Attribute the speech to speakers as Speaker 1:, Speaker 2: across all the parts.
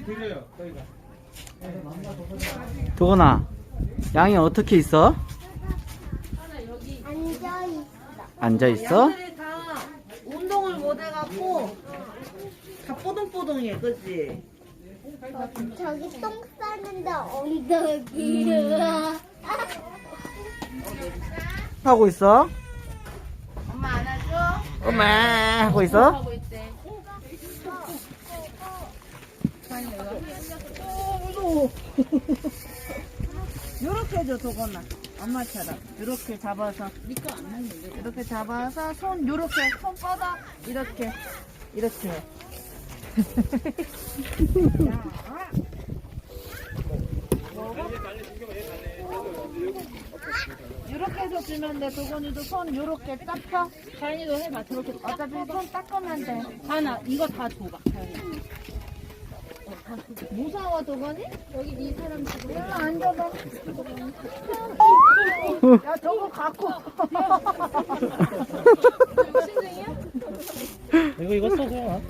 Speaker 1: 드려요, 저희가.
Speaker 2: 도건아, 양이 어떻게 있어?
Speaker 3: 앉아있어.
Speaker 2: 앉아 있어?
Speaker 4: 양들이 다 운동을 못 해갖고 다 뽀동뽀동해, 그치?
Speaker 3: 저기 똥 싸는데 엉덩이를.
Speaker 2: 하고 있어?
Speaker 4: 엄마 안아줘?
Speaker 2: 엄마 하고 있어?
Speaker 4: 하고 있대. 요렇게 해줘, 도건아. 엄마처럼. 요렇게 잡아서. 이렇게 잡아서 손 요렇게 손 뻗어. 이렇게. 이렇게. 요렇게 해서 주면 돼. 도건이도 손 요렇게 딱 펴.
Speaker 5: 다현이도 해봐. 저렇게
Speaker 4: 어차피 손 닦으면 돼.
Speaker 5: 다현아 이거 다 줘봐. 다현이.
Speaker 4: 무서워, 도건이?
Speaker 5: 여기 이 사람 지금
Speaker 4: 일로 앉아봐. 야, 저거 갖고.
Speaker 1: 이거 써서.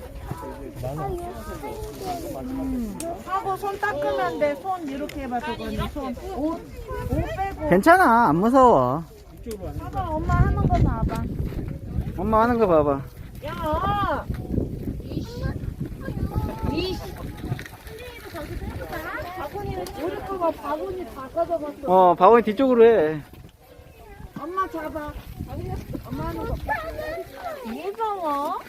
Speaker 4: 하고 손 닦으면 돼. 손 이렇게 해봐, 도건이. 손. 옷 빼고.
Speaker 2: 괜찮아, 안 무서워.
Speaker 4: 봐봐, 엄마 하는 거 봐봐.
Speaker 2: 엄마 하는 거 봐봐.
Speaker 4: 야! 우리 거가 바구니 다 가져갔어.
Speaker 2: 바구니 뒤쪽으로 해.
Speaker 4: 엄마 잡아. 엄마 하는 거. 무서워?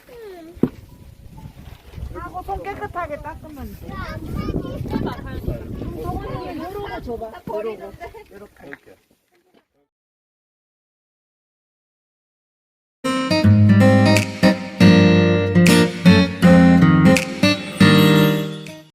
Speaker 4: 하고 손 깨끗하게 닦으면 돼.
Speaker 5: 해봐. 다현이.
Speaker 4: 저거는 요러고 줘봐. 요러고. 요렇게.